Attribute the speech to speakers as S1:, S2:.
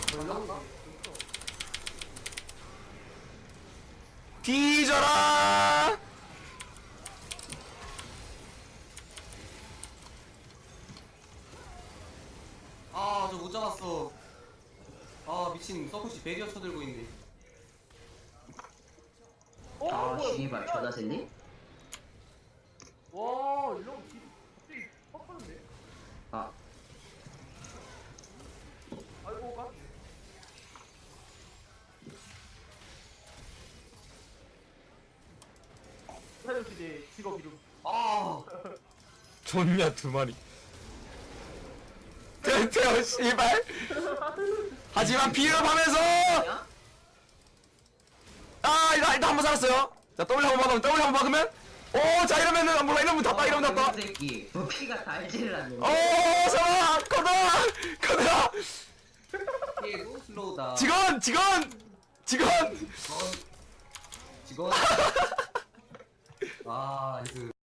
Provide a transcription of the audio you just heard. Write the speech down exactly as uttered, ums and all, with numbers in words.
S1: 전략가?
S2: 뒤져라!
S1: 아, 저 못 잡았어. 아, 미친 서포시 베리어 쳐들고 있네.
S3: 어?
S4: 아
S3: 뭐야?
S4: 씨발 전화 샜니?
S3: 와 이런 기 갑자기 확 빠졌네.
S4: 아
S3: 아이고 까. 사장씨 직업 이름.
S1: 아,
S2: 좋냐 두 마리. 태태어 씨발. 하지만 비읍하면서
S4: 야?
S2: 아 일단 일단 한번 살았어요. 자 W 한번 박으면 W 한번 박으면 오자 이러면은 몰라 이러면 닿다 이러면 닿다.
S4: 이 새끼 부피가 달지를 않네.
S2: 오 잠깐 커다 커다
S1: 얘도 슬로우다.
S2: 직원 직원 직원
S1: 직원. 직원. 아, 그.